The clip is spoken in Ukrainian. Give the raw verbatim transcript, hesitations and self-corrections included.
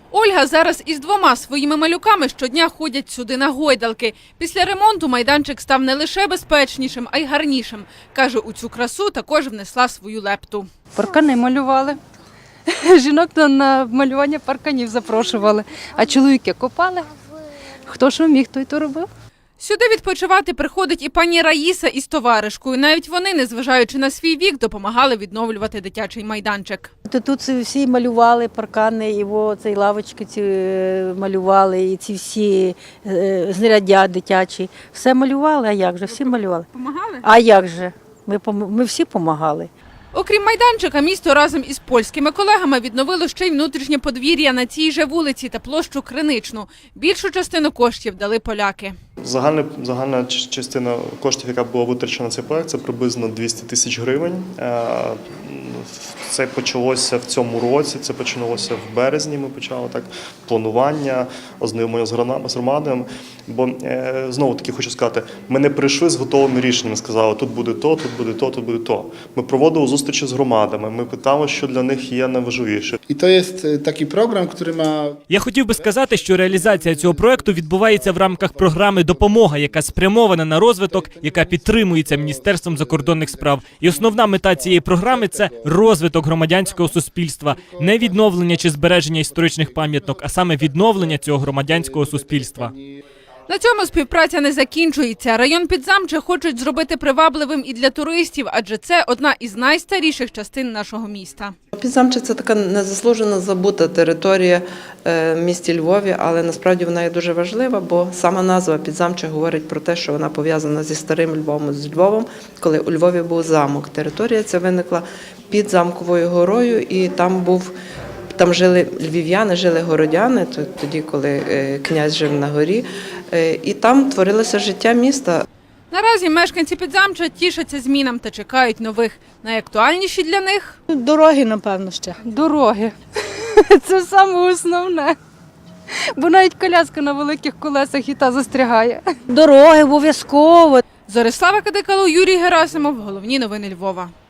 Ольга зараз із двома своїми малюками щодня ходять сюди на гойдалки. Після ремонту майданчик став не лише безпечнішим, а й гарнішим. Каже, у цю красу також внесла свою лепту. Паркани малювали. Жінок на малювання парканів запрошували, а чоловіки копали. Хто що міг, той то робив. Сюди відпочивати приходить і пані Раїса із товаришкою. Навіть вони, незважаючи на свій вік, допомагали відновлювати дитячий майданчик. Тут всі малювали паркани, і о, ці лавочки ці малювали, і ці всі е, знаряддя дитячі. Все малювали, а як же? Всі малювали. Помагали? А як же? Ми, ми всі допомагали. Окрім майданчика, місто разом із польськими колегами відновило ще й внутрішнє подвір'я на цій же вулиці та площу Криничну. Більшу частину коштів дали поляки. Загальна, загальна частина коштів, яка була витрачена на цей проект, це приблизно двісті тисяч гривень. Це почалося в цьому році, це почалося в березні, ми почали так планування, ознайомлення з громадами. Бо, знову-таки хочу сказати, ми не прийшли з готовими рішеннями, сказали, тут буде то, тут буде то, тут буде то. Ми проводили зустрічі з громадами, ми питали, що для них є найважливіше. І то є такий програм, який має... Я хотів би сказати, що реалізація цього проекту відбувається в рамках програми «Допомога», яка спрямована на розвиток, яка підтримується Міністерством закордонних справ. І основна мета цієї програми – це розвиток громадянського суспільства, не відновлення чи збереження історичних пам'яток, а саме відновлення цього громадянського суспільства. На цьому співпраця не закінчується. Район Підзамче хочуть зробити привабливим і для туристів, адже це одна із найстаріших частин нашого міста. Підзамче – це така незаслужено забута територія в місті Львові, але насправді вона є дуже важлива, бо сама назва Підзамче говорить про те, що вона пов'язана зі старим Львовом, з Львовом, коли у Львові був замок. Територія ця виникла під Замковою горою, і там був Там жили львів'яни, жили городяни, тоді, коли князь жив на горі, і там творилося життя міста. Наразі мешканці Підзамча тішаться змінам та чекають нових. Найактуальніші для них – Дороги, напевно, ще. Дороги. Це саме основне. Бо навіть коляска на великих колесах і та застрягає. Дороги обов'язково. Зорислава Кадикало, Юрій Герасимов. Головні новини Львова.